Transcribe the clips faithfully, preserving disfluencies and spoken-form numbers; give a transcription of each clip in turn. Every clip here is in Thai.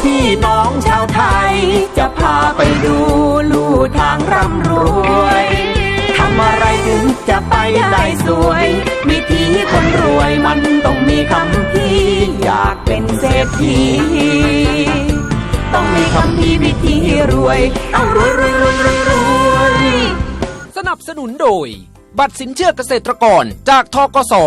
พี่น้องชาวไทยจะพาไปดูลู่ทางร่ำรวยทำอะไรถึงจะไปได้สวยวิถีคนรวยมันต้องมีคำพี่อยากเป็นเศรษฐีต้องมีคำพี่วิธีรวยต้องรวยรวยรวยรวยรวยสนับสนุนโดยบัตรสินเชื่อเกษตรกรจากธกส.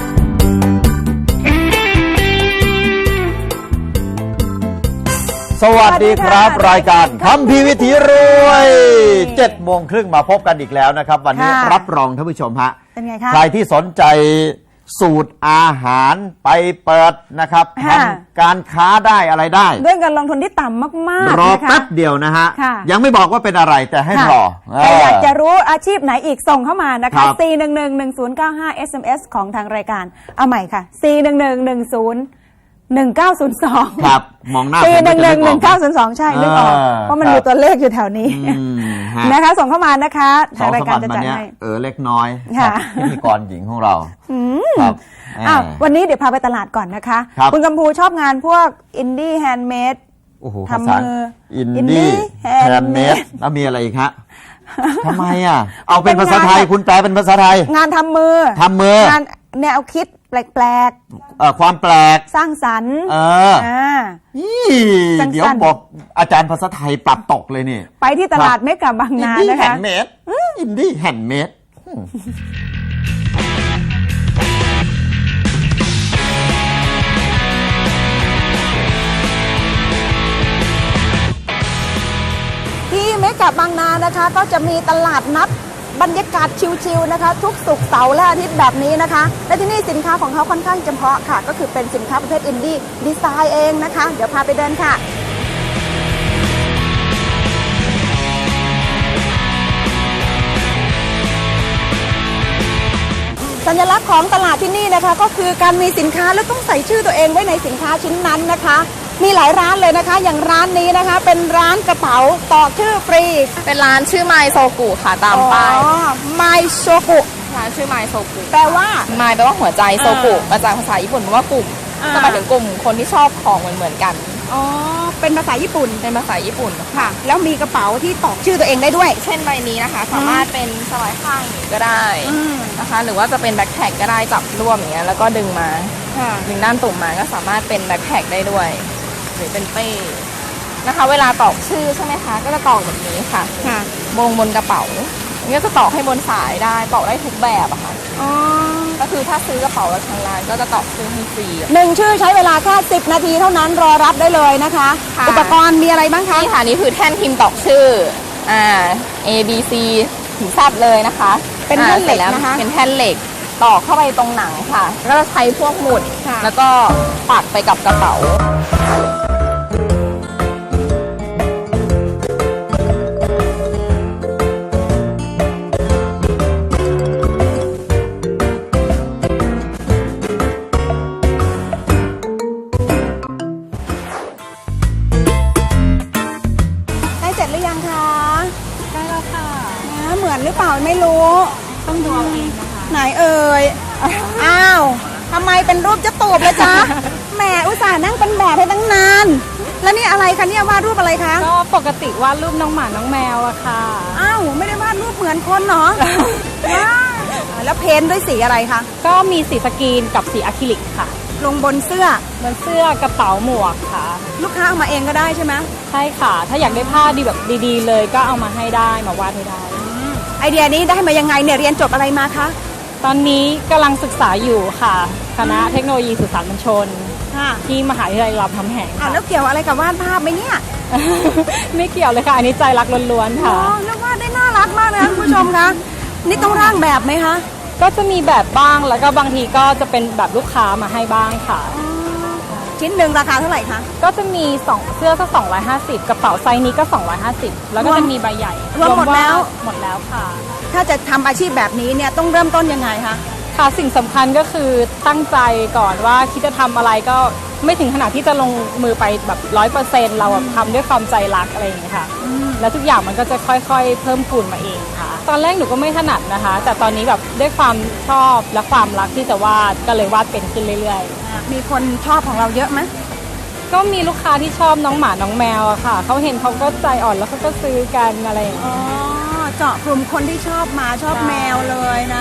สวัสดีครับรายการคำพีวิถีรวยเจ็ดโมงครึ่งมาพบกันอีกแล้วนะครับวันนี้รับรองท่านผู้ชมฮะเป็นไงคะใครที่สนใจสูตรอาหารไปเปิดนะครับทำการค้าได้อะไรได้ด้วยเงินลงทุนที่ต่ำมากๆรอแป๊บเดียวนะฮะยังไม่บอกว่าเป็นอะไรแต่ให้รอแต่อยากจะรู้อาชีพไหนอีกส่งเข้ามานะคะ สี่ หนึ่ง หนึ่ง หนึ่ง ศูนย์ เก้า ห้า เอส เอ็ม เอส ของทางรายการเอาใหม่ค่ะ สี่ หนึ่ง หนึ่ง หนึ่ง ศูนย์ หนึ่ง เก้า ศูนย์ สองครับมองหน้าสี่ หนึ่ง หนึ่ง หนึ่ง เก้า ศูนย์ สองใช่นึกออกเพราะมันมีตัวเลขอยู่แถวนี้นะคะส่งเข้ามานะคะทางรายการจะจัดให้เออเล็กน้อยพิธีกรหญิงของเราครับวันนี้เดี๋ยวพาไปตลาดก่อนนะคะคุณกัมพูชอบงานพวกอินดี้แฮนด์เมดทำมืออินดี้แฮนด์เมดแล้วมีอะไรอีกฮะทำไมอ่ะเอาเป็นภาษาไทยคุณแปลเป็นภาษาไทยงานทำมือทำมืองานแนวคิดแปลกๆเอ่อความแปลกสร้างสรรค์เออเดี๋ยวบอกอาจารย์ภาษาไทยปรับตกเลยนี่ไปที่ตลาดเมกะบางนานะคะอินดี้แฮนด์เมดอินดี้แฮนด์เมดที่เมกะบางนานะคะก็จะมีตลาดนัดบรรยากาศชิลๆนะคะทุกศุกร์เสาร์และอาทิตย์แบบนี้นะคะและที่นี่สินค้าของเขาค่อนข้างเฉพาะค่ะก็คือเป็นสินค้าประเภทอินดี้ดีไซน์เองนะคะเดี๋ยวพาไปเดินค่ะสัญลักษณ์ของตลาดที่นี่นะคะก็คือการมีสินค้าแล้วต้องใส่ชื่อตัวเองไว้ในสินค้าชิ้นนั้นนะคะมีหลายร้านเลยนะคะอย่างร้านนี้นะคะเป็นร้านกระเป๋าต่อชื่อฟรีเป็นร้านชื่อไมโซกุค่ะตามป้ายไมโซกุร้านชื่อไมโซกุแปลว่าไมแปลว่าหัวใจโซกุมาจากภาษาญี่ปุ่นแปลว่ากลุ่มก็หมายถึงกลุ่มคนที่ชอบของเหมือนเหมือนกันอ๋อเป็นภาษาญี่ปุ่นเป็นภาษาญี่ปุ่นค่ะแล้วมีกระเป๋าที่ตอกชื่อตัวเองได้ด้วยเช่นใบนี้นะคะสามารถเป็นสไลด์ข้างก็ได้นะคะหรือว่าจะเป็นแบ็คแพ็คก็ได้จับร่วมอย่างเงี้ยแล้วก็ดึงมาดึงด้านตุ่มมาก็สามารถเป็นแบ็คแพ็คได้ด้วยหรือเป็นเป้นะคะเวลาตอกชื่อใช่ไหมคะก็จะตอกแบบนี้ค่ะบนบนกระเป๋าอันนี้จะตอกให้บนสายได้ตอกได้ทุกแบบอะค่ะก็คือถ้าซื้อกระเป๋าแล้วทางร้านก็จะตอกชื่อให้ฟรีหนึ่งชื่อใช้เวลาแค่สิบนาทีเท่านั้นรอรับได้เลยนะคะอุปกรณ์มีอะไรบ้างคะนี่ค่ะนี่คือแท่นพิมพ์ตอกชื่ออ่า A B C ถึงทราบเลยนะคะเป็นแท่นเหล็กนะคะเป็นแท่นเหล็กตอกเข้าไปตรงหนังค่ะก็จะใช้พวกหมุดแล้วก็ปักไปกับกระเป๋าหรือเปล่าไม่รู้ต้องดูเอาเองนะคะไหนเอ่ยอ้าวทำไมเป็นรูปจะตูบเลยจ๊ะแหมอุตส่าห์นั่งเป็นแบบให้ตั้งนานแล้วนี่อะไรคะเนี่ยวาดรูปอะไรคะก็ปกติวาดรูปน้องหมาน้องแมวอะค่ะอ้าวไม่ได้วาดรูปเหมือนคนเนาะว้าแล้วเพ้นด้วยสีอะไรคะก็มีสีสกรีนกับสีอะคริลิกค่ะลงบนเสื้อบนเสื้อกระเป๋าหมวกค่ะลูกค้าเอามาเองก็ได้ใช่ไหมใช่ค่ะถ้าอยากได้ผ้าดีแบบดีๆเลยก็เอามาให้ได้มาวาดให้ได้ไอเดียนี้ได้มายังไงเนี่ยเรียนจบอะไรมาคะตอนนี้กำลังศึกษาอยู่ค่ะคณะเทคโนโลยีสื่อสารมวลชนที่มหาวิทยาลัยรามคำแหงอ่ะแล้วเกี่ยวอะไรกับวาดภาพไหมเนี่ยไม่เกี่ยวเลยค่ะอันนี้ใจรักล้วนๆค่ะเรียกว่าได้น่ารักมากนะคุณผู้ชมคะนี่ต้องร่างแบบไหมคะก็จะมีแบบบ้างแล้วก็บางทีก็จะเป็นแบบลูกค้ามาให้บ้างค่ะชิ้นหนึ่งราคาเท่าไหร่คะก็จะมีสองเสื้อก็สองร้อยห้าสิบกระเป๋าไซส์นี้ก็สองร้อยห้าสิบแล้วก็จะมีใบใหญ่รวมหมดแล้วหมดแล้วค่ะถ้าจะทำอาชีพแบบนี้เนี่ยต้องเริ่มต้นยังไงคะค่ะสิ่งสำคัญก็คือตั้งใจก่อนว่าคิดจะทำอะไรก็ไม่ถึงขนาดที่จะลงมือไปแบบร้อยเปอร์เซ็นต์เราทำด้วยความใจรักอะไรอย่างเงี้ยค่ะแล้วทุกอย่างมันก็จะค่อยๆเพิ่มพูนมาเองค่ะตอนแรกหนูก็ไม่ถนัดนะคะแต่ตอนนี้แบบด้วยความชอบและความรักที่จะวาดก็เลยวาดเป็นขึ้นเรื่อยๆมีคนชอบของเราเยอะไหมก็มีลูกค้าที่ชอบน้องหมาน้องแมวอะค่ะเขาเห็นเขาก็ใจอ่อนแล้วเขาก็ซื้อกันอะไรอย่างเงี้ยอ๋อเจาะกลุ่มคนที่ชอบหมาชอบแมวเลยนะ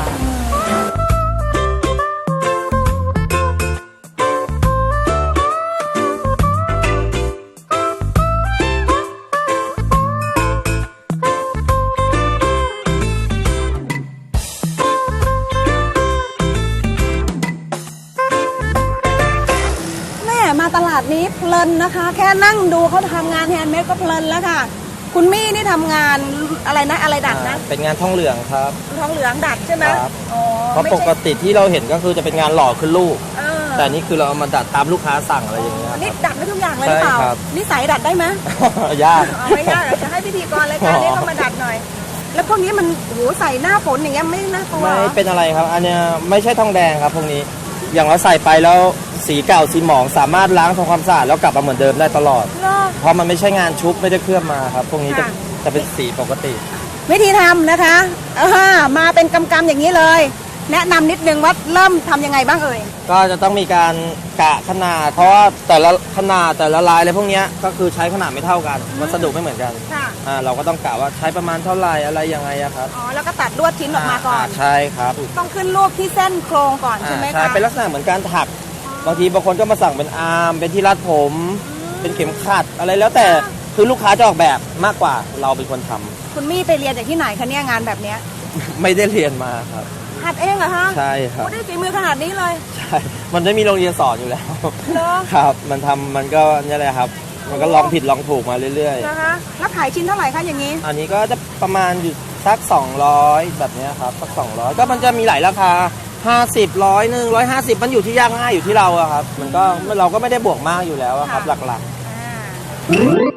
แม่มาตลาดนี้เพลินนะคะ แค่นั่งดูเขาทำงานแฮนด์เมดก็เพลินแล้วค่ะ คุณมี่นี่ทำงานอะไรนะอะไรดัดนะเป็นงานทองเหลืองครับทองเหลืองดัดใช่ไหมครับอ๋อเพราะไม่ปใช่กติที่เราเห็นก็คือจะเป็นงานหล่อขึ้นรูปเออแต่นี่คือเราเอามาดัดตามลูกค้าสั่งอะไรอย่างเงี้ยนี่ดัดได้ทุกอย่างเลยหรือเปล่าใช่ครับนิสัยดัดได้ไหมยากอ๋อไม่ยากเดี๋ยวจะให้พิธีกรรายการนี้ต้องมาดัดหน่อย แล้วพวกนี้มันโอ้โหใส่หน้าฝนอย่างเงี้ยไม่น่ากลัวไม่เหรอเป็นอะไรครับ อันเนี้ยไม่ใช่ทองแดงครับพวกนี้ อย่างเราใส่ไปแล้วสีเก่าสีหมองสามารถล้างทำความสะอาดแล้วกลับมาเหมือนเดิมได้ตลอดเหรอเพราะมันไม่ใช่งานชุบไม่ได้เคลือบมาครับ พวกนี้จะค่ะจะเป็นสีปกติวิธีทำนะคะอ่ามาเป็นกำๆอย่างนี้เลย แนะนำนิดนึงว่าเริ่มทำยังไงบ้างเอ่ยก็จะต้องมีการกะขนาด เพราะว่าแต่ละขนาดแต่ละลายอะไรพวกเนี้ยก็คือใช้ขนาดไม่เท่ากันวัสดุไม่เหมือนกันค่ะอ่าเราก็ต้องกะว่าใช้ประมาณเท่าไหร่อะไรยังไงอะครับอ๋อแล้วก็ตัดลวดชิ้นออกมาก่อนใช่ครับต้องขึ้นรูปที่เส้นโครงก่อนใช่ไหมอ่าใช่คะเป็นลักษณะเหมือนการถัก บางทีบางคนก็มาสั่งเป็นอาร์มเป็นที่รัดผม เป็นเข็มขัดอะไรแล้วแต่คือลูกค้าจะออกแบบมากกว่าเราเป็นคนทำคุณมี่ไปเรียนจากที่ไหนคะเนี่ยงานแบบเนี้ยไม่ได้เรียนมาครับหัดเองเหรอคะใช่ครับโอ้ได้ฝีมือขนาดนี้เลยใช่มันไม่มีโรงเรียนสอนอยู่แล้วเหรอครับ มันทำมันก็นี่แหละครับ มันก็ลองผิดลองถูกมาเรื่อยนะคะแล้วขายชิ้นเท่าไหร่คะอย่างนี้ๆ อันนี้ก็จะประมาณอยู่สักสองร้อยแบบเนี้ยครับสักสองร้อยก็มันจะมีหลายราคาห้าสิบ ร้อยหนึ่งร้อยห้าสิบมันอยู่ที่ยากง่ายอยู่ที่เราอะครับ มันก็เราก็ไม่ได้บวกมากอยู่แล้วอะครับค่ะหลักๆ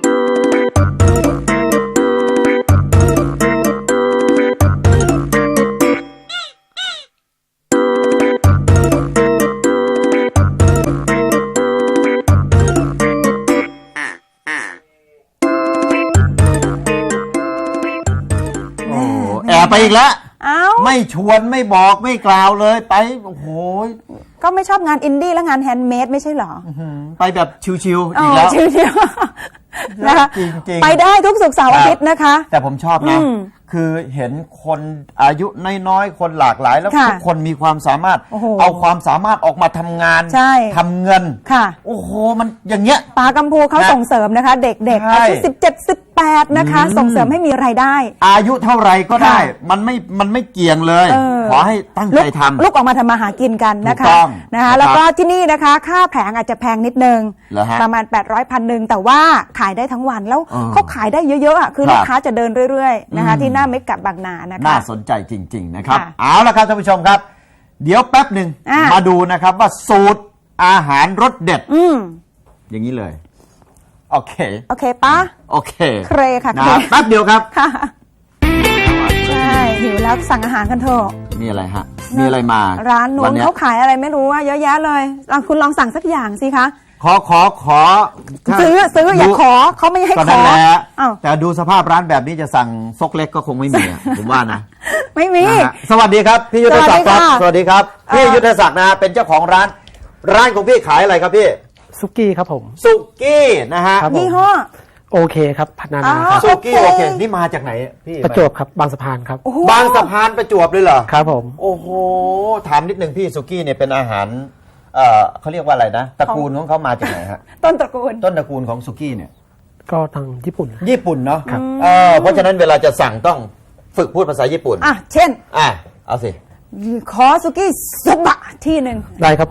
โอ้แอบไปอีกแล้วเอ้าไม่ชวนไม่บอกไม่กล่าวเลยไปโอ้โหก็ไม่ชอบงานอินดี้และงานแฮนด์เมดไม่ใช่เหรอไปแบบชิวๆอีกแล้วชิวๆนะคะจริงๆไปได้ทุกศุกร์เสาร์อาทิตย์นะคะแต่ผมชอบนะอืมคือเห็นคนอายุน้อยๆ คนหลากหลาย แล้วค่ะทุกคนมีความสามารถโอ้โหเอาความสามารถออกมาทำงานใช่ทำเงินค่ะโอ้โห มันอย่างเงี้ยปากัมพูเขานะส่งเสริมนะคะ เด็กๆใช่อายุสิบเจ็ด สิบแปดนะคะอืมส่งเสริมให้มีรายได้อายุเท่าไรก็ได้ค่ะมันไม่ มันไม่เกี่ยงเลยเออขอให้ตั้งใจทำลุกออกมาทำมาหากินกันนะถูคะกต้องนะคะนะครับแล้วก็ที่นี่นะคะ ค่าแผงอาจจะแพงนิดนึงเหรอฮะประมาณ แปดร้อยพันหนึ่งแต่ว่าขายได้ทั้งวันแล้วเออเขาขายได้เยอะๆอ่ะคือครับลูกค้าจะเดินเรื่อยๆนะคะอืมที่หน้าเมกะบางนานะคะน่าสนใจจริง ๆ นะครับค่ะเอาละครับท่านผู้ชมครับ เดี๋ยวแป๊บหนึ่งอ่ะมาดูนะครับว่าสูตรอาหารรสเด็ดอืมอย่างนี้เลย โอเคโอเคปะโอเคเครค่ะนะเครแป๊บเดียวครับค่ะใช่หิวแล้วสั่งอาหารกันเถอะมีอะไรฮะ มีอะไรมาร้านนู้วัน เยเขาขายอะไรไม่รู้ว่าเยอะแยะเลยลองคุณลองสั่งสักอย่างสิคะขอขอขอซื้อซื้ออย่าดูขอเขาไม่ให้ก็ขนั่อนแหละอ้าวแต่ดูสภาพร้านแบบนี้จะสั่งซกเล็กก็คงไม่มีอะ ผมว่านะไม่มีนะฮะสวัสดีครับพี่ยุทธศักดิ์ครับสสวัวัสสดีดีคค่ะรับพี่เอ่อยุทธศักดิ์นะฮะเป็นเจ้าของร้าน ร้านของพี่ขายอะไรครับพี่ซุกี้ครับผมสุกี้นะฮะครับผมยี่ห้อโอเคครับพัฒนาอ๋อครับสุกี้โอโอเคเคนี่มาจากไหนพี่ประจวบครับบางสะพานครับโอ้โหบางสะพานประจวบเลยเหรอครับผมโอ้โหถามนิดนึงพี่สุกี้เนี่ยเป็นอาหารเอ่อเขาเรียกว่าอะไรนะตระกูลของเขามาจากไหนฮะต้นตระกูลต้นตระกูลของสุกี้เนี่ยก็ทางญี่ปุ่นญี่ปุ่นเนาะเออเพราะฉะนั้นเวลาจะสั่งต้องฝึกพูดภาษาญี่ปุ่นอ่ะ เช่นอ่ะเอาสิขอสุกี้สบะที่หนึ่งได้ครับผม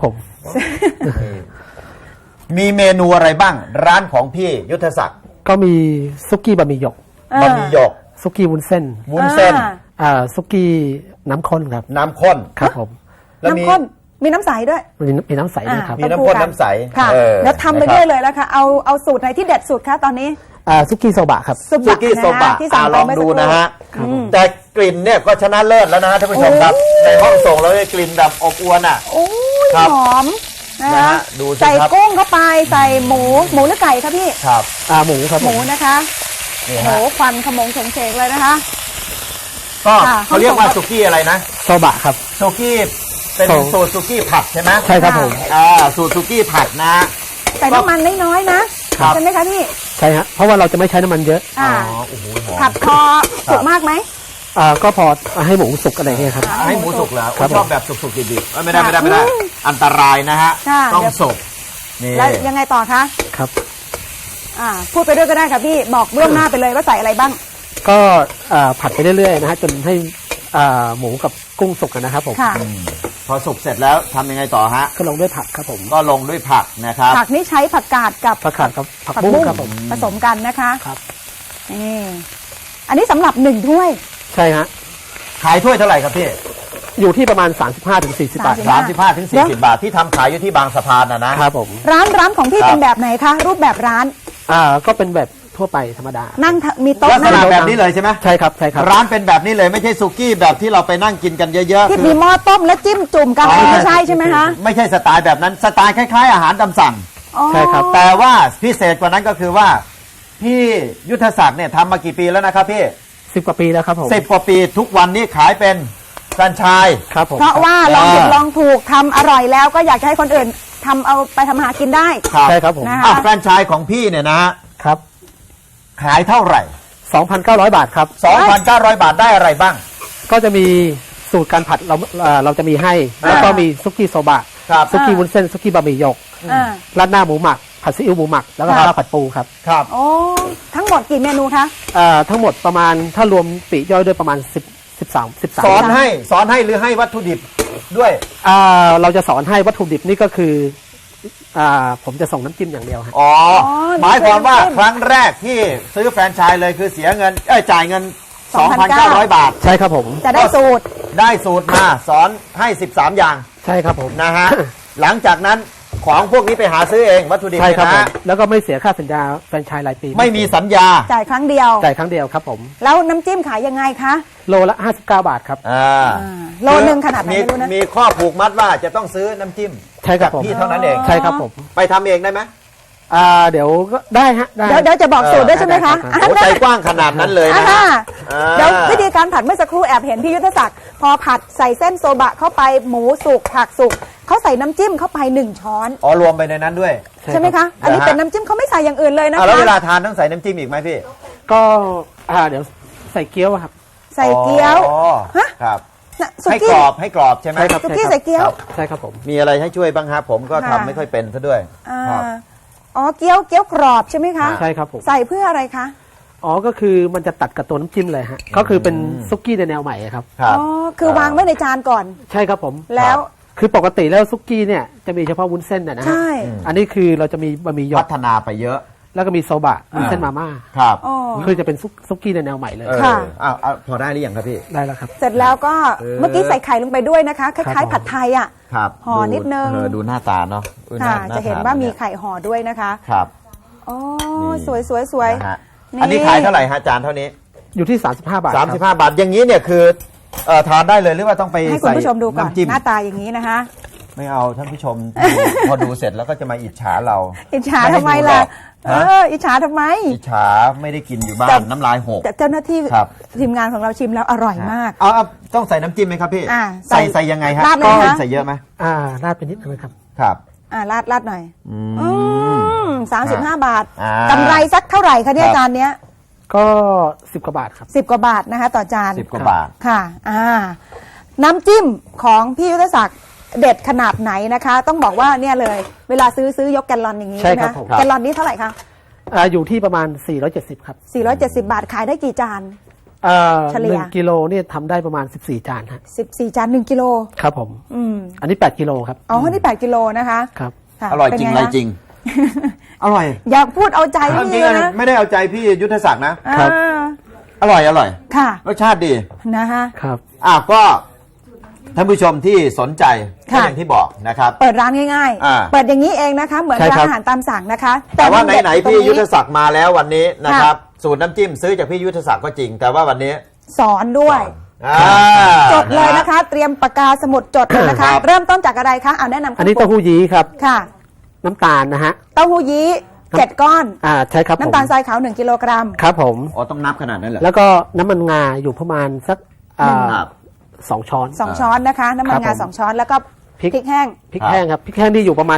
มีเมนูอะไรบ้าง ร้านของพี่ยุทธศักดิ์ก็มีซุกี้บะหมี่หยกบะหมี่หยกซุกี้วุ้นเส้นวุ้นเส้นอ่าอ่าซุกี้น้ำข้นครับน้ำข้นครับผมแล้วมีน้ำข้นมีน้ำใสด้วยมีมีน้ำใสด้วยครับมีน้ำข้นน้ำใสค่ะเออแล้วทำไปนะครับด้วยเลยแล้วค่ะ เอาเอาสูตรไหนที่เด็ดสุดคะตอนนี้อ่าซุกี้โซบะครับสุสุกี้โซบะที่สั่อ่างไปลองเมื่อดูสักครู่นะฮะครับผมแต่กลิ่นเนี่ยก็ชนะเลิศแล้วนะฮะท่านผู้ชมครับ ในห้องส่งเราได้กลิ่นแบบอบอวนอ่ะโอ้ยครับหอมนะนะคะฮะดูสิใส่ครับกุ้งเข้าไปใส่หมูหมูหรือไก่คะพี่ครับอ่าหมูครับหผมูมนะคะนี่โหฮะควันขโมงเฉงเฉงเลยนะคะก็ค่ะเขาเรียกว่าสุกี้อะไรนะโซบะครับสุกี้เป็นโซสูตรสุกี้ผัดใช่ไหมใช่ครับผมอ่าสูตรสุกี้ผัดนะใส่น้ำมันน้อยๆนะครับ ใช่ไหมคะพี่ใช่ฮะเพราะว่าเราจะไม่ใช้น้ำมันเยอะอ่าอ๋อโอ้โหหอมผัดพอสุกมากไหมอ่าก็พอให้หมูสุกอะไรเงี้ยครับให้หมูสุกแล้วครับชอบแบบสุกๆดิบๆเอ้ยไม่ได้ไม่ได้ไม่ได้ อันตรายนะฮะค่ะต้องสุกนี่แล้วยังไงต่อคะครับอ่าพูดไปด้วยก็ได้ค่ะพี่บอกเบื้องหน้าไปเลยว่าใส่อะไรบ้างก็อ่าผัดไปเรื่อยๆนะฮะจนให้อ่าหมูกับกุ้งสุกกันนะครับผมค่ะอืมพอสุกเสร็จแล้วทำยังไงต่อฮะก็ลงด้วยผักครับผมก็ลงด้วยผักนะครับผักนี่ใช้ผักกาดกับผักขาดกับผักบุ้งครับผมผสมกันนะคะครับนี่อันนี้สำหรับหนึ่งถ้วยใช่ฮะขายถ้วยเท่าไหร่ครับพี่อยู่ที่ประมาณ สามสิบห้าถึงสี่สิบ บาทสสามสิบห้าถึงสี่สิบบาทที่ทำขายอยู่ที่บางสะพานนะนะครับผมร้านร้านของพี่ครับเป็นแบบไหนคะรูปแบบร้านอ่าก็เป็นแบบทั่วไปธรรมดานั่งทะมีโต๊ะลักษนั่งณะแบบนี้เลยใช่ไหมใช่ครับใช่ครับร้านเป็นแบบนี้เลยไม่ใช่สุกี้แบบที่เราไปนั่งกินกันเยอะๆที่คืมีอหม้อต้มแล้วจิ้มจุ่มกันอะไรไม่ใช่ใช่ไหมคะไม่ใช่สไตล์แบบนั้นสไตล์คล้ายๆ อาหารตามสั่งอ๋อใช่ครับแต่ว่าพิเศษกว่านั้นก็คือว่าพี่ยุทธศักดิ์เนี่ยทำมากี่ปีแล้วนะครับพี่สิบกว่าปีแล้วครับผมสิบกว่าปีทุกวันนี้ขายเป็นแฟรนไชส์ครับผมเพราะว่าลองผิดอ่าลองถูกทำอร่อยแล้วก็อยากจะให้คนอื่นทำเอาไปทำมาหากินได้ครับใช่ครับผมนะคะอ่ะแฟรนไชส์ของพี่เนี่ยนะฮะครับขายเท่าไหร่สองพันเก้าร้อย บาทครับสองพันเก้าร้อย บาทได้อะไรบ้างก็จะมีสูตรการผัดเราเอ่อเราจะมีให้ แล้วก็มีซุกี้โซบะครับซุกี้วุ้นเส้นซุกี้บะหมี่หยกอ่าราดหน้าหมูหมักผัดซีอิ๊วหมูหมักแล้วก็ครับข้าวผัดปูครับครับโอ้ทั้งหมดกี่เมนูคะเอ่อทั้งหมดประมาณถ้ารวมปลีกย่อยด้วยประมาณสิบ สิบสาม สิบสามสอนให้สอนให้หรือให้วัตถุดิบด้วยอ่าเราจะสอนให้วัตถุดิบนี่ก็คืออ่าผมจะส่งน้ำจิ้มอย่างเดียวฮะอ๋ออ๋อหมายความว่าน้ำจิ้มครั้งแรกที่ซื้อแฟรนไชส์เลยคือเสียเงินเอ้ยจ่ายเงิน สองพันสองพันเก้าเก้าร้ร้ออย ย บาทใช่ครับผมจะได้สูตรได้สูตรมาสอนให้ สิบสาม อย่างใช่ครับผมนะฮะ หลังจากนั้นของพวกนี้ไปหาซื้อเองวัตถุดิบใช่ครับนะผมฮะแล้วก็ไม่เสียค่าสัญญาแฟรนไชส์รายปีไม่มีสัญญาจ่ายครั้งเดียวจ่ายครั้งเดียวครับผมแล้วน้ำจิ้มขายยังไงคะโลละห้าสิบเก้าบาทครับอ่าอ่าโลนึงขนาดไหนไม่รู้นะมีข้อผูกมัดว่าจะต้องซื้อน้ำจิ้มใช่ครับผมพี่เท่านั้นเองใช่ครับผมไปทำเองได้ไหมอ่าเดี๋ยวก็ได้ฮะได้เดี๋ยวเดี๋ยวจะบอกสูตรด้วยใช่ไหมคะได้โอ้ใจกว้างขนาดนั้นเลยนะอ่าอ่าเดี๋ยววิธีการผัดเมื่อสักครู่แอบเห็นพี่ยุทธศักดิ์พอผัดใส่เส้นโซบะเข้าไปหมูสุกผักสุกเขาใส่น้ำจิ้มเข้าไปหนึ่งช้อนอ๋อรวมไปในนั้นด้วยใช่ไหมคะ อันนี้นะฮะเป็นน้ำจิ้มเขาไม่ใส่อย่างอื่นเลยนะอ่าแล้วเวลาคะทานต้องใส่น้ำจิ้มอีกไหมพี่ก็อ่าเดี๋ยวใส่เกี๊ยวอะครับใส่เกี๊ยวอ๋อฮะครับน่ะสุให้กี้กรอบให้กรอบใช่ไหมใช่ครับสุกี้ใส่เกี๊ยวครับใช่ครับผมมีอะไรให้ช่วยบ้างครับผมก็ค่ะทำไม่ค่อยเป็นซะด้วยอ่าครับอ๋อเกี๊ยวเกี๊ยวกรอบใช่ไหมคะใช่ครับผมใส่เพื่ออะไรคะอ๋อก็คือมันจะตัดกับตัวน้ำจิ้มเลยฮะก็คือเป็นซุกี้ในแนวใหม่ครับครับอ๋อคือวางไว้ในจานก่อนใช่ครับผมแล้วคือปกติแล้วซุกี้เนี่ยจะมีเฉพาะวุ้นเส้นนะนะฮะใช่อันนี้คือเราจะมีบะหมี่หยพักฒนาไปเยอะแล้วก็มีโซบะวุ้นเส้นมาม่าครับอ๋อคือจะเป็นซุกซุกี้ในแนวใหม่เลยเออค่ะอ้าวอ้าวพอได้หรือยังครับพี่ได้แล้วครับเสร็จแล้วก็เออเมื่อกี้ใส่ไข่ลงไปด้วยนะคะคครัล้ายบๆผัดไทยอ่ะครับห่อนิดนึงเออดูหน้าตาเนาะออค่ะาจะเห็นทว่ามียไข่ห่อด้วยนะคะครับอ๋อนี่สวยสวยสวยนะฮะนี่อันนี้ขายเท่าไหร่ฮะจานเท่านี้อยู่ที่ สามสิบห้า บาทคสารัมสิบห้าบาทอย่างนี้เนี่ยคือเอ่อทานได้เลยหรือว่าต้องไปให้คุณใส่ผู้ชมดูก่อนน้ำจิ้มหน้าตาอย่างนี้นะคะไม่เอาท่านผู้ชมดู พอดูเสร็จแล้วก็จะมาอิจฉาเราอิจฉาไม่ให้ทำไมดูหรล่ะอกเอฮะอ อิจฉาทำไมอิจฉาไม่ได้กินอยู่บ้าแต่นน้ำลายหกแต่เจ้าหน้าที่ครับทีมงานของเราชิมแล้วอร่อยมากเอาเอาต้องใส่น้ำจิ้มไหมครับพี่อ่าใส่ใส่ใส่ยังไงฮะราดเลยนะใส่เยอะไหมอ่าราดไปนิดนึงครับครับอ่าราดราดหน่อยอือืมมสามสิบห้าบาทอ่ากำไรสักเท่าไหร่คะเนี่ยครับจานเนี้ยก็สิบกว่าบาทครับสิบกว่าบาทนะคะ ต่อจานสิบกว่าบาทค่ะ อ่า น้ำจิ้มของพี่ยุทธศักดิ์เด็ดขนาดไหนนะคะ ต้องบอกว่าเนี่ยเลย เวลาซื้อซื้อยกแกลลอนอย่างนี้ใช่ครับนะผมแกลลอนนี้เท่าไหร่คะอ่าอยู่ที่ประมาณสี่ร้อยเจ็ดสิบครับสี่ร้อยเจ็ดสิบบาทขายได้กี่จานอ่าเฉลี่ยหนึ่งกิโลเนี่ยทำได้ประมาณสิบสี่จานฮะสิบสี่จานหนึ่งกิโลครับผมอืมอันนี้แปดกิโลครับอ๋อนี่แปดกิโลนะคะครับค่ะอร่อยเป็นจริงไงไรคะจริง อร่อยอยากพูดเอาใจจริพี่งเลยๆนะไม่ได้เอาใจพี่ยุทธศักดิ์นะครับอ่าอร่อยอร่อยค่ะรสชาติดีนะคะครับอ่ะก็ท่านผู้ชมที่สนใจก็ค่ะอย่างที่บอกนะครับเปิดร้านง่ายอ่าๆ เปิดอย่างนี้เองนะคะ เหมือนใช่ร้านครับอาหารตามสั่งนะคะแต่ว่ามัเด็ดไหนๆตรงพี่ยุทธศักดิ์มาแล้ววันนี้นะครับ สูตรน้ำจิ้มซื้อจากพี่ยุทธศักดิ์ก็จริง แต่ว่าวันนี้สอนด้วยอ่าจดเลยนะคะ เตรียมปากกาสมุดจดเลยนะคะครับเริ่มต้นจากอะไรคะเอาแนะนำอันนี้เต้าหู้ยี้ครับค่ะน้ำตาลนะฮะเต้าหู้ยี้เจ็ดก้อนอ่าใช่ครับผมน้ำตาลทรายขาวหนึ่งกิโลกรัมครับผมอ๋อต้องนับขนาดนั้นเหรอแล้วก็น้ำมันงาอยู่ประมาณสักอ่าครับสองช้อนสองช้อนนะคะ น้ำมันครังาบผมสองช้อนแล้วก็พพริกริกแห้งพริกแห้งครับพริกแห้งที่อยู่ประมาณสัก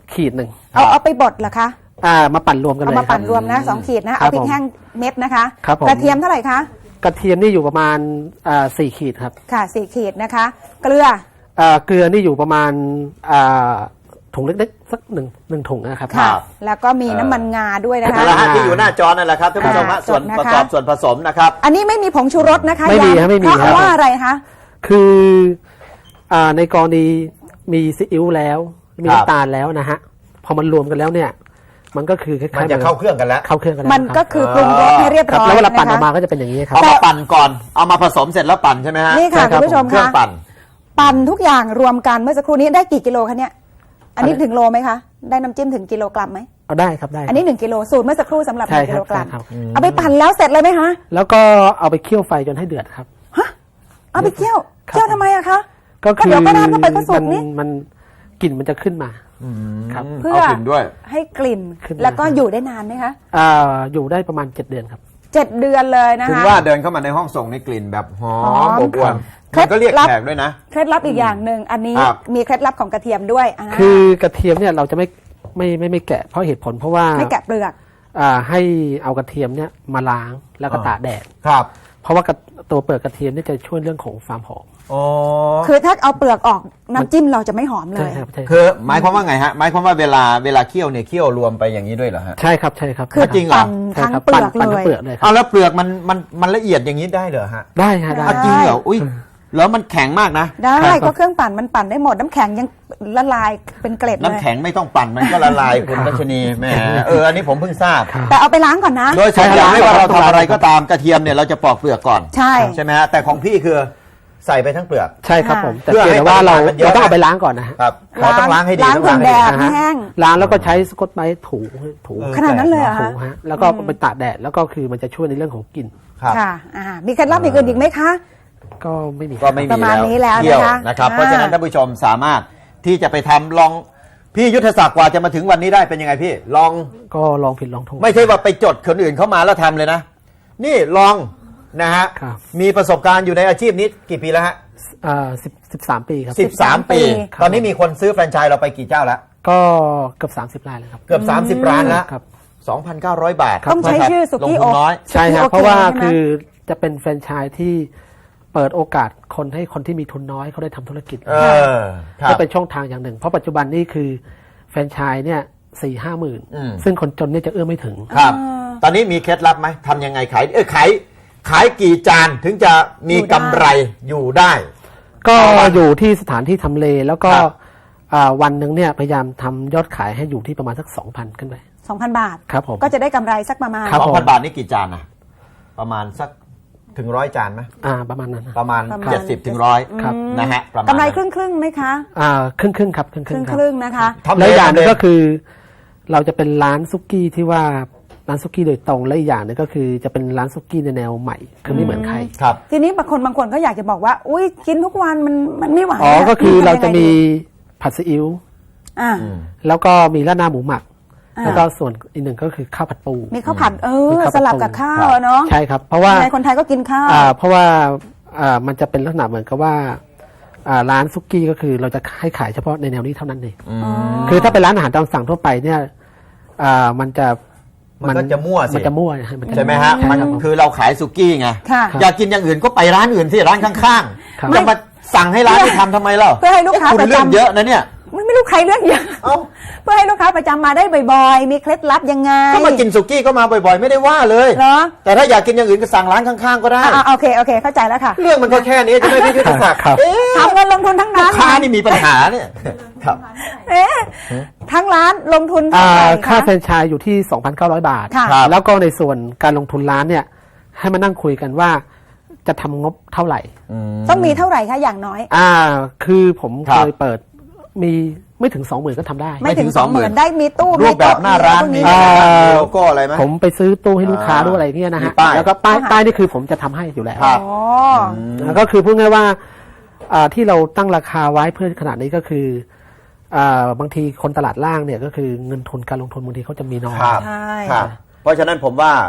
ขีดหนึ่งเอาเอาไปบดเหรอคะอ่ามาปั่นรวมกันเลยเอามาปั่นคบรวมนะสองขีดนะครัเอาบพริผกมแห้งเม็ดนะคะครับผมกระเทียมเท่าไหร่คะกระเทียมนี่อยู่ประมาณอ่าสี่ขีดครับค่ะสี่ขีดนะคะ เกลืออ่าเกลือนี่อยู่ประมาณอ่าถุงเล็กๆสักหนึ่งหนึ่งถุงนะครับค่ะ แล้วก็มีน้ำมันงาด้วยนะคะนั่นแหละฮะที่อยู่หน้าจอนั่นแหละครับท่านผู้ชมฮะอ่าส่วนจดปนะคะระกอบส่วนผสมนะครับอันนี้ไม่มีผงชูรสนะคะไม่มีย้ำครับไม่มีเพราะครับว่าอะไรคะคืออ่าในกรณีมีซีอิ๊วแล้วมีครับน้ำตาลแล้วนะฮะพอมันรวมกันแล้วเนี่ย มันก็คือคล้ายๆมันจะเข้าเครื่องกันแล้วเข้าเครื่องกันแล้วมันก็ครับคือปรุงรสให้เรียบครับร้อยแล้วเวลาปั่นอนะอกมาคะก็จะเป็นอย่างนี้ครับเอามาปั่นก่อน เอามาผสมเสร็จแล้วปั่นใช่ไหมฮะนี่ค่ะใช่ครับคุณผู้ชมเครื่อคะงปั่นปั่นทุกอย่างรวมกันเมื่อสักครู่นี้ได้กี่กิโลคะเนี่ย อันนี้ถึงโลไหมคะ ได้น้ำจิ้มถึงกิโลกรัมไหมเอาได้ครับได้ครับอันนี้หนึ่งกิโลสูตรเมื่อสักครู่สำหรับหใช่นึ่งครักิบโลกรัมใช่ครับเอาไปปั่นแล้วเสร็จเลยไหมคะแล้วก็เอาไปเคี่ยวไฟจนให้เดือดครับเอาไปเคี่ยวครับเคี่ยวทำไมอะคะก็คือก็เดี๋ยวก็น้ำลงไปก็สุกมันนี่มันกลิ่นมันจะขึ้นมาครับเพื่อเอากลิ่นด้วยให้กลิ่นขึ้นมาแล้วก็อยู่ได้นานไหมคะอ่าอยู่ได้ประมาณเจ็ดเดือนครับเจ็ดเดือนเลยนะถึงคะว่าเดินเข้ามาในห้องส่งในกลิ่นแบบหอหอมมอบอวลเคล็มัดนก็เรียกลับแขกด้วยนะเคล็ดลับอีกอย่างหนึ่งอันนี้ครับมีเคล็ดลับของกระเทียมด้วยาคือกระเทียมเนี่ยเราจะไม่ไม่ไม่ไม่แกะเพราะเหตุผลเพราะว่าไม่แกะเปลือกอ่าให้เอากระเทียมเนี่ยมาล้างแล้วก็ตากแดดครับเพราะว่ากระตัวเปลือกกระเทียมเนี่ยจะช่วยเรื่องของความหอมอ๋อคือถ้าเอาเปลือกออกน้ำจิ้มเราจะไม่หอมเลใช่ยครับใช่ครับคือหมายความว่าไงฮะ หมายความว่าเวลาเวลาเคี่ยวเนี่ยเคี่ยวรวมไปอย่างนี้ด้วยเหรอฮะใช่ครับใช่ครับคือจริงเหรอปั่นใช่ทั้งครับเปลืปั่นอกปั่นเลทั้งยเปลือกเลยครัเอาบแล้วเปลือกมันมันมันละเอียดอย่างนี้ได้เหรอฮะได้ฮะได้เอาจริงเหรอ อุ้ยแล้วมันแข็งมากนะได้ครับก็เครื่องปั่นมันปั่นได้หมดน้ำแข็งยังละลายเป็นเกล็ดเลยน้ำแข็งไม่ต้องปั่นมันก็ละลายคุณรัชนีแหมเอออันนี้ผมเพิ่งทราบแต่เอาไปล้างก่อนนะโดยส่วนใหญ่ไม่ว่าเราทำอะไรก็ตามกระเทียมเนี่ยเราจะปอกเปลือกก่อนใช่ใช่ไหมฮะแต่ของพี่คือใส่ไปทั้งเปลือกใช่ครับผมแต่เพื่อเพียงให้แต่ว่าเราปริมาณมันเยอะเราต้องเอาไปล้างก่อนนะฮะครับขอต้องล้างให้ดีล้างต้องถึล้างงให้แดดีดให้แห้งล้างแล้วก็ใช้สกอตไบรท์ถูถูเออขนาดนั้นเลยเหรอถูคะฮะแล้วก็ไปตากแดดแล้วก็คือมันจะช่วยในเรื่องของกลิ่นครับค่ะอ่ามีเคล็ดลับอย่างอื่นอีกไหมคะก็ไม่มีก็ไม่มีประมาณนี้แล้วเที่ยวนะคะนะครับอ่าเพราะฉะนั้นท่านผู้ชมสามารถที่จะไปทำลองพี่ยุทธศักดิ์กว่าจะมาถึงวันนี้ได้เป็นยังไงพี่ ลองก็ลองผิดลองถูกไม่ใช่ว่าไปจดคนอื่นเข้ามาแล้วทำเลยนะ นี่ลองนะฮะครับมีประสบการณ์อยู่ในอาชีพนี้กี่ปีแล้วฮะอ่าสิบสิบสามปีครับสิบสามปีครับตอนนี้มีคนซื้อแฟรนไชส์เราไปกี่เจ้าแล้วก็เกือบสามสิบรายเลยครับเกือบ สามสิบ ร้านแล้วครับสองพันเก้าร้อย บาทต้องใช้ชื่อสุกี้ลงทุนน้อยใช่ครับโอเคเพราะว่าใช่ไหมคือจะเป็นแฟรนไชส์ที่เปิดโอกาสคนให้คนที่มีทุนน้อยเขาได้ทำธุรกิจเออครับก็เป็นช่องทางอย่างหนึ่ง เพราะปัจจุบันนี่คือแฟรนไชส์เนี่ยสี่ห้าหมื่นอืมซึ่งคนจนเนี่ยจะเอื้อมไม่ถึงครับ ตอนนี้มีเคล็ดลับไหมทำยังไงขายเออขายขายกี่จานถึงจะมีกำไรอยู่ได้ก็ต่อวันอยู่ที่สถานที่ทำเลแล้วก็ครับอ่าวันหนึ่งเนี่ยพยายามทำยอดขายให้อยู่ที่ประมาณสักสองพันขึ้นไปสองพันบาทครับผมก็จะได้กำไรสักประมาณครับสองผมพันบาทนี่กี่จานนะประมาณสักถึงร้อยจานไหมอ่าประมาณนั้นนะประมาณประมาณเจ็ดสิบถึงร้อยครับนะฮะประมาณกำไรนั้นครึ่งครึ่งๆไหมคะอ่าครึ่งครึ่งๆครับครึ่งคครึ่รึ่งงครัคบรึ่งๆนะคะทำเลแล้วอย่างหนึงทำเลก็คือ เราจะเป็นร้านซุกี้ที่ว่าร้านซุกี้โดยตรงและอีกอย่างหนึงก็คือจะเป็นร้านซุกี้ในแนวใหม่คือไม่เหมือนใครครับทีนี้บางคนบางคนก็อยากจะบอกว่า อุ้ยกินทุกวันมันมันไม่ไหวอ๋อก็คือเราจะมีทำยังไงผัดซีอิ๊วดีอ่าแล้วก็มีราดหน้าหมูหมักอ่าแล้วก็ส่วนอีกหนึ่งก็คือข้าวผัดปูมีข้าวผัดเอมีอข้าวผัดสลับกับข้าวครับอะเนาะใช่ครับ เพราะว่ายังไงคนไทยก็กินข้าวอ่าเพราะว่าอ่ามันจะเป็นลักษณะเหมือนกับว่าอ่าร้านซุกี้ก็คือเราจะให้ขายเฉพาะในแนวนี้เท่านั้นเองอืมคือถ้าเป็นร้านอาหารตามสั่งทั่วไปเนี่ยอ่ามันจะมันก็จะมั่วสิมันจะมั่วนะฮะนจใช่ไหมฮะใช่มันครับผมคือเราขายสุกี้ไงค่ะอยากกินอย่างอื่นก็ไปร้านอื่นที่ร้านข้างครับๆจะมาสั่งให้ร้านที่ทำทำไมเล่าเพื่อให้ลูกค้าคุณประจำเรื่องเยอะนะเนี่ยไม่ไม่รู้ใครเรื่องเยอะเอ้าเพื่อให้ลูกค้าประจำมาได้บ่อยๆ มีเคล็ดลับยังไงก็มากินสุกี้ก็มาบ่อยๆ ไม่ได้ว่าเลยเหรอแต่ถ้าอยากกินอย่างอื่นก็สั่งร้านข้างๆก็ได้อ่าโอเคโอเค เข้าใจแล้วค่ะเรื่องมันก็แค่นี้จะไม่พี่ยุทธศักดิ์ครับเอ๊ะทำเงินลงทุนทั้งลูร้าก นค้านี่มีปัญหาเนี่ยครับเอ๊ะทั้งร้านลงทุนเท่าอ่าไหร่ค่าคะแฟรนไชส์อยู่ที่ สองพันเก้าร้อย บาทค่ะครับแล้วก็ในส่วนการลงทุนร้านเนี่ยให้มานั่งคุยกันว่าจะทำงบเท่าไหร่ต้องมีเท่าไหร่คะอย่างน้อยอ่าคือผมครัเคบยเปิดมีไม่ถึง สองหมื่น ก็ทำได้ไม่ถึงไม่ถึงสองหมื่น 20,000 ได้มีตู้รูปแบบหน้าร้านมีมีโต๊ะอ่ามีโลโก้อะไรไหมผมไปซื้อตู้ให้ลูกค้าอ่าด้วยอะไรเงี้ยนะมีฮะป้ายแล้วก็ป้ายป้ายนี่คือผมจะทำให้อยู่แล้วครับอ๋อแล้วก็คือพูดง่ายๆว่าอ่าที่เราตั้งราคาไว้เพื่อขนาดนี้ก็คืออ่าบางทีคนตลาดล่างเนี่ยก็คือเงินทุนการลงทุนบางทีเขาจะมีน้อยครับใช่ครับ เพราะฉะนั้นผมว่า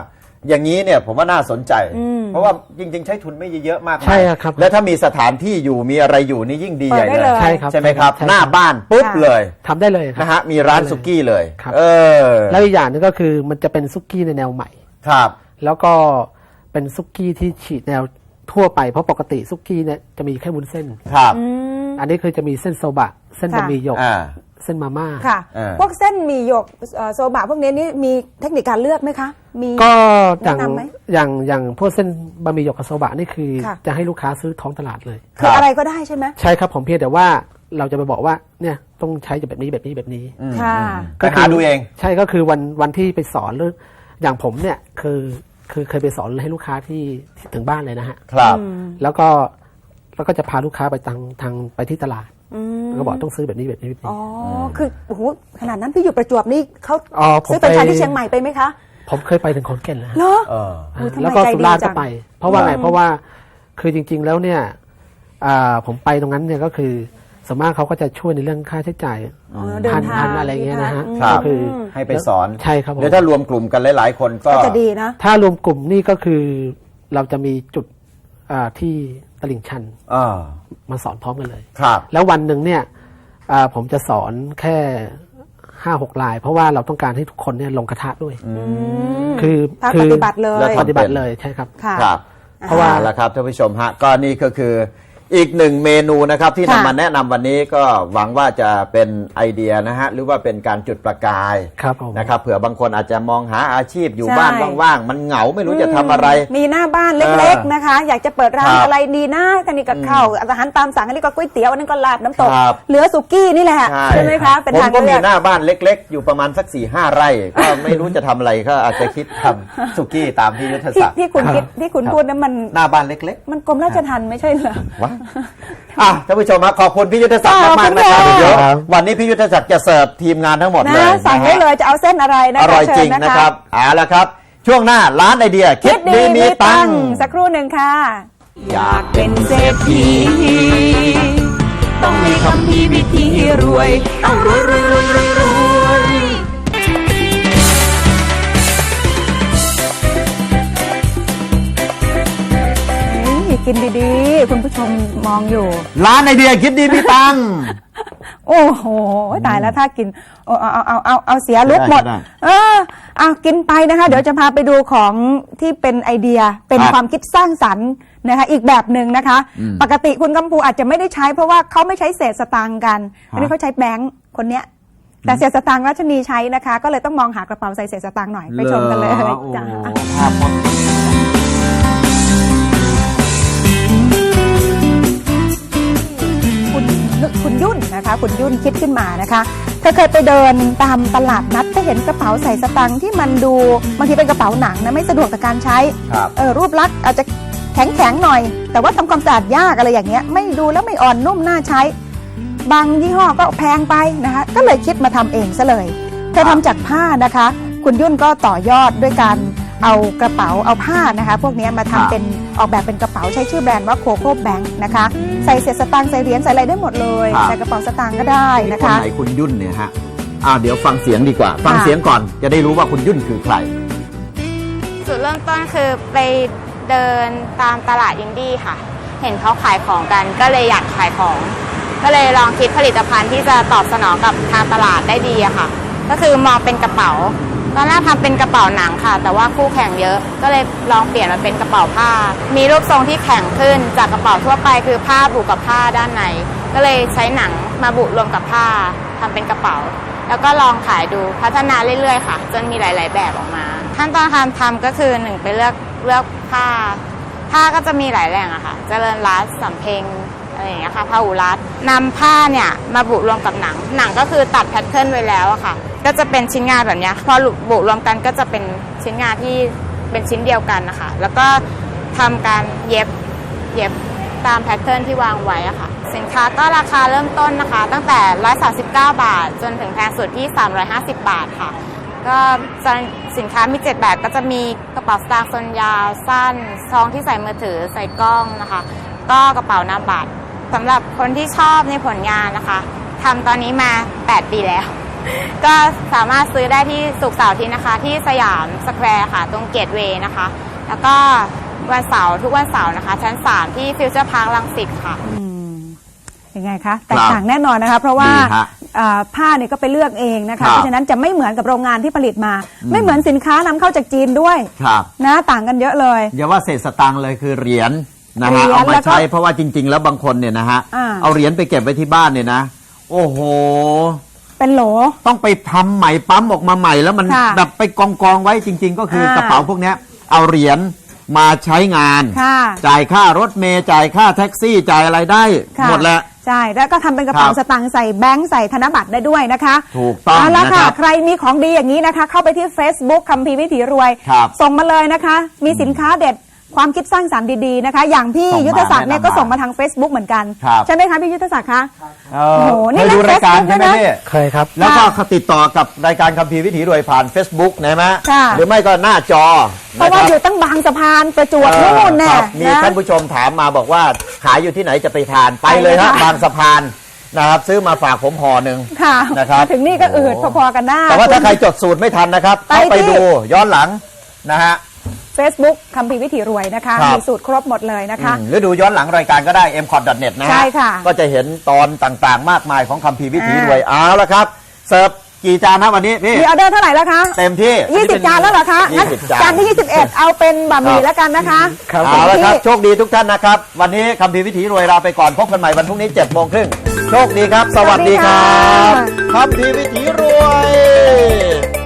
อย่างนี้เนี่ยผมว่าน่าสนใจอืมเพราะว่าจริง ๆ ใช้ทุนไม่เยอะมากใช่ครับและถ้ามีสถานที่อยู่มีอะไรอยู่นี่ยิ่งดีเปิใหดญ่ได้เลเลย ยใช่ครับใช่ไหมครับใช่หน้าบ้านปุ๊บค่ะเลยทำได้เลยครับนะฮะมีร้านสุกี้เลยครับเออแล้วอีกอย่างหนึงก็คือมันจะเป็นซุกี้ในแนวใหม่ครับแล้วก็เป็นซุกี้ที่ฉีดแนวทั่วไปเพราะปกติซุกี้เนี่ยจะมีแค่วุ้นเส้นครับอืมอันนี้คือจะมีเส้นโซบะ เส้นค่ะบะหมี่หยกอ่าเส้นมาม่าค่ะเออพวกเส้นหมีหยกเอ่อโซบะพวกนี้นี่มีเทคนิคการเลือกไหมคะ มีก็อย่างแนะนำไหมอย่างอย่างพวกเส้นบะหมี่หยกกับโซบะนี่คือค่ะจะให้ลูกค้าซื้อท้องตลาดเลยคืออะไรก็ได้ใช่ไหมใช่ครับผมเพียงแต่ว่าเราจะไปบอกว่าเนี่ยต้องใช้แบบนี้แบบนี้แบบนี้อืมค่ะก็หาดูเองใช่ก็คือวันวันที่ไปสอนเรื่องอย่างผมเนี่ยคือคือเคยไปสอนให้ลูกค้าที่ที่ถึงบ้านเลยนะฮะครับแล้วก็แล้วก็จะพาลูกค้าไปทางทางไปที่ตลาดอืมแล้วก็บอกต้องซื้อแบบนี้แบบนี้แบบนี้อ๋อ คือโอ้โหขนาดนั้นพี่อยู่ประจวบนี่เขาอ๋อผมซื้อเป็นชายไปที่เชียงใหม่ไปไหมคะผมเคยไปถึงขอนแก่นแล้วฮะเหรอเออโอ้ยทำไมแล้วก็ใจดีสุราษฎร์จัก็งไป เพราะว่าไงอืมเพราะว่าคือจริง ๆ แล้วเนี่ยอ่าผมไปตรงนั้นเนี่ยก็คือส่วนมากเขาก็จะช่วยในเรื่องค่าใช้จ่ายอ๋อเดินพันทางพันอะไรเงี้ยนะฮะอืมครับก็คือให้ไปสอนใช่ครับผมเดี๋ยวถ้ารวมกลุ่มกันหลาย ๆ คนก็ก็จะดีนะถ้ารวมกลุ่มนี่ก็คือเราจะมีจุดอ่าที่ตลิ่งชันอ่ามาสอนพร้อมกันเลยครับแล้ววันหนึ่งเนี่ยอ่าผมจะสอนแค่ห้าหกลาย เพราะว่าเราต้องการให้ทุกคนเนี่ยลงกระทะด้วย คือภาคคืปฏิบัติเลยแล้วปฏิบัติเลยใช่ครับค่ะครับเพราะว่าอละครับท่านผู้ชมฮะก็นี่ก็คืออีกหนึ่งเมนูนะครับที่ค่ะนำมาแนะนำวันนี้ก็หวังว่าจะเป็นไอเดียนะฮะหรือว่าเป็นการจุดประกายครับผมนะครับเผื่อบางคนอาจจะมองหาอาชีพอยู่ใช่บ้านว่างๆมันเหงาไม่รู้จะทำอะไรมีหน้าบ้านเล็กเออๆนะคะ อยากจะเปิดร้านครับอะไรดีนะกันนี่กับข้าวอาหารตามสั่งอันนี้ก็ก๋วยเตี๋ยวอันนั้นก็ลาบน้ำตกครับเหลือสุกี้นี่แหละใช่ไหมคะ เป็นผมทางก็เลืมีอกหน้าบ้านเล็ก ๆ อยู่ประมาณสักสี่ห้าไร่ ก็ไม่รู้จะทำอะไรก็อาจจะคิดทำสุกี้ตามที่ยุทธที่ศักดิ์ที่คุณคิดที่คุณพูดนั้นมันหน้าบ้านเล็กมันกรมราชทัณฑ์ไม่ใช่เหรอๆว้าอ่ะท่านผู้ชมครับขอบคุณพี่ยุทธศักดิ์ขอบมาคุกณๆนะครับค่ะเดี๋ยววันนี้พี่ยุทธศักดิ์จะเสิร์ฟทีมงานทั้งหมดเลนะยสั่งได้นะฮะเลยจะเอาเส้นอะไรนะอคะร่อยจริงเชิญนะครับเอาละครับ ช่วงหน้าร้านไอเดียคิคิดดดีดีมีมีตัตังงค์ค์สักครู่หนึ่งค่ะอยากเป็นเศรษฐีต้องมีคำพีวิธีรวยต้องรวยรวยรวยรวยรวยนี่กินดีๆ คุณผู้ชมมองอยู่ร้านไอเดียคิดดีมีตังค์โอ้โหตายแล้วถ้ากินโอ้เอาเอาเอาเอาเอาเสียลุกหมดได้เออเอากินไปนะคะ เดี๋ยวจะพาไปดูของที่เป็นไอเดียเป็นครับความคิดสร้างสรรค์นะคะ อีกแบบหนึ่งนะคะ ปกติคุณกำพูอาจจะไม่ได้ใช้ เพราะว่าเขาไม่ใช้เศษสตางค์กันอันนี้เขาใช้แบงค์คนเนี้ย แต่เศษสตางค์รัชนีใช้นะคะ ก็เลยต้องมองหากระเป๋าใส่เศษสตางค์หน่อยไปชมกันเลยหรอโอ้จ้าภาพพอคุณคุณยุ่นนะคะ คุณยุ่นคิดขึ้นมานะคะเธอเคยไปเดินตามตลาดนัดก็เห็นกระเป๋าใส่สตางค์ที่มันดูบางทีเป็นกระเป๋าหนังนะไม่สะดวกต่อการใช้ครับเออรูปลักษณ์อาจจะแข็งแข็งๆหน่อย แต่ว่าทำความสะอาดยากอะไรอย่างเงี้ยไม่ดูแล้วไม่อ่อนนุ่มน่าใช้ บางยี่ห้อก็แพงไปนะคะก็เลยคิดมาทำเองซะเลยเธอทำจากผ้านะคะ คุณยุ่นก็ต่อยอดด้วยการเอากระเป๋าเอาผ้านะคะ พวกเนี้ยมาทำเป็นออกแบบเป็นกระเป๋าใช้ชื่อแบรนด์ว่าโคโค่แบงค์นะคะใส่เศษสตางค์ใส่เหรียญใส่อะไรได้หมดเลยครับใส่กระเป๋าสตางค์ก็ได้นะคนคะไหนคุณยุ่นเนี่ยฮะอ่าเดี๋ยวฟังเสียงดีกว่า ฟังค่ะเสียงก่อนจะได้รู้ว่าคุณยุ่นคือใครจุดเริ่มต้นคือไปเดินตามตลาดอินดี้ค่ะ เห็นเขาขายของกันก็เลยอยากขายของ ก็เลยลองคิดผลิตภัณฑ์ที่จะตอบสนองกับทางตลาดได้ดีอะค่ะ ก็คือมองเป็นกระเป๋า ตอนแรกทำเป็นกระเป๋าหนังค่ะ แต่ว่าคู่แข่งเยอะ ก็เลยลองเปลี่ยนมาเป็นกระเป๋าผ้า มีรูปทรงที่แข็งขึ้นจากกระเป๋าทั่วไปคือผ้าบุกับผ้าด้านใน ก็เลยใช้หนังมาบุรวมกับผ้าทำเป็นกระเป๋า แล้วก็ลองขายดูพัฒนาเรื่อยๆค่ะ จนมีหลายๆแบบออกมาขั้นตอนการทำก็คือหนึ่งไปเลือกเลือกผ้า ผ้าก็จะมีหลายแหล่งอะค่ะเจริญรัตน์สำเพ็งอะไรอย่างเงี้ยค่ะพหุรัตน์นำผ้าเนี่ยมาบุรวมกับหนัง หนังก็คือตัดแพทเทิร์นไว้แล้วอะค่ะ ก็จะเป็นชิ้นงานแบบเนี้ยพอบุรวมกันก็จะเป็นชิ้นงานที่เป็นชิ้นเดียวกันนะคะแล้วก็ทำการเย็บเย็บตามแพทเทิร์นที่วางไว้อะค่ะสินค้าก็ราคาเริ่มต้นนะคะ ตั้งแต่หนึ่งร้อยสามสิบเก้าบาท จนถึงแพงสุดที่สามร้อยห้าสิบบาทค่ะ ก็สินค้ามีเจ็ดแบบก็จะมีกระเป๋าสตางค์ทรงยาวสั้นซองที่ใส่มือถือใส่กล้องนะคะก็กระเป๋าหน้าบัตรสำหรับคนที่ชอบในผลงานนะคะทำตอนนี้มาแปดปีแล้วก็สามารถซื้อได้ที่ศุกร์เสาร์อาทิตย์นะคะ ที่สยามสแควร์ค่ะ ตรงเกตเวย์นะคะ แล้วก็วันเสาร์ทุกวันเสาร์นะคะ ชั้นสามที่ฟิวเจอร์พาร์ครังสิตค่ะยังไงคะแตกต่างแน่นอนนะคะ เพราะว่าดีฮะอ่าผ้าเนี่ยก็ไปเลือกเองนะครัคะบเพราะฉะนั้นจะไม่เหมือนกับโรงงานที่ผลิตมา ไม่เหมือนสินค้านำเข้าจากจีนด้วยครับนะต่างกันเยอะเลยอย่าว่าเศษสตังค์เลยคือเหรียญนะเหรีฮะยญเอามาแล้วก็ใช้เพราะว่าจริง ๆ แล้วบางคนเนี่ยนะฮะอ่าเอาเหรียญไปเก็บไว้ที่บ้านเนี่ยนะ โอ้โหเป็นโหลต้องไปทำใหม่ปั๊มออกมาใหม่แล้วมันค่ะแบบไปกองกองๆไว้จริง ๆ ก็คืออ่ากระเป๋าพวกเนี้ยเอาเหรียญมาใช้งานค่ะจ่ายค่ารถเมล์จ่ายค่าแท็กซี่จ่ายอะไรได้ค่ะหมดแล้วใช่แล้วก็ทำเป็นกระเป๋าครับสตางค์ใส่แบงค์ใส่ธนบัตรได้ด้วยนะคะถูกต้องเาละนะคค่ะรับใครมีของดีอย่างนี้นะคะ เข้าไปที่ Facebook คัมภีร์วิถีรวยครับส่งมาเลยนะคะ มีสินค้าเด็ดความคิดสร้างสรรค์ดีๆนะคะ อย่างพี่ส่งมายุทธศักดิ์เนี่ยแนะนำก็ส่งมาทาง Facebook เหมือนกันครับใช่ไหมคะพี่ยุทธศักดิ์คะเอโอ้อโหนี่เคยดูเล่นรายการ Facebook ใช่ไหมด้วยนะพี่เคยครับแล้วก็เขาติดต่อกับรายการคัมภีร์วิถีรวยผ่าน Facebook นะฮะค่ะหรือไม่ก็หน้าจอเพราะว่าคบอยู่ตั้งบางสะพานประจวบเออนู่นแน่ครับมีนะท่านผู้ชมถามมาบอกว่าขายอยู่ที่ไหนจะไปทานไปเลยไปเลยฮะค่ะบางสะพานนะครับซื้อมาฝากผมห่อหนึ่งค่ะนะครับมาถึงนี่ก็อืดพอๆกันได้แต่ว่าถ้าใครจดสูตรไม่ทันนะครับไปเข้าไปที่ดูย้อนหลังนะฮะ Facebook คัมภีร์วิถีรวยนะคะครับมีสูตรครบหมดเลยนะคะอืมหรือดูย้อนหลังรายการก็ได้ เอ็ม คอท ดอท เน็ต นะฮะใช่ค่ะก็จะเห็นตอนต่างๆ มากมายของคัมภีร์วิถีอ่ารวยเอาละครับ เสิร์ฟกี่จานนะวันนี้พี่มีออเดอร์เท่าไหร่แล้วคะเต็มที่ยี่สิบจานแล้วเหรอคะงั้นยี่สิบจานจานที่ยี่สิบเอ็ดเอาเป็นบะหมี่ครับแล้วกันนะคะครับเอาละครับที่โชคดีทุกท่านนะครับ วันนี้คัมภีร์วิถีรวยลาไปก่อนพบกันใหม่วันพรุ่งนี้เจ็ดโมงครึ่งโชคดีครับ สวัสดีครับสวัสดีค่ะคัมภีร์วิถีรวย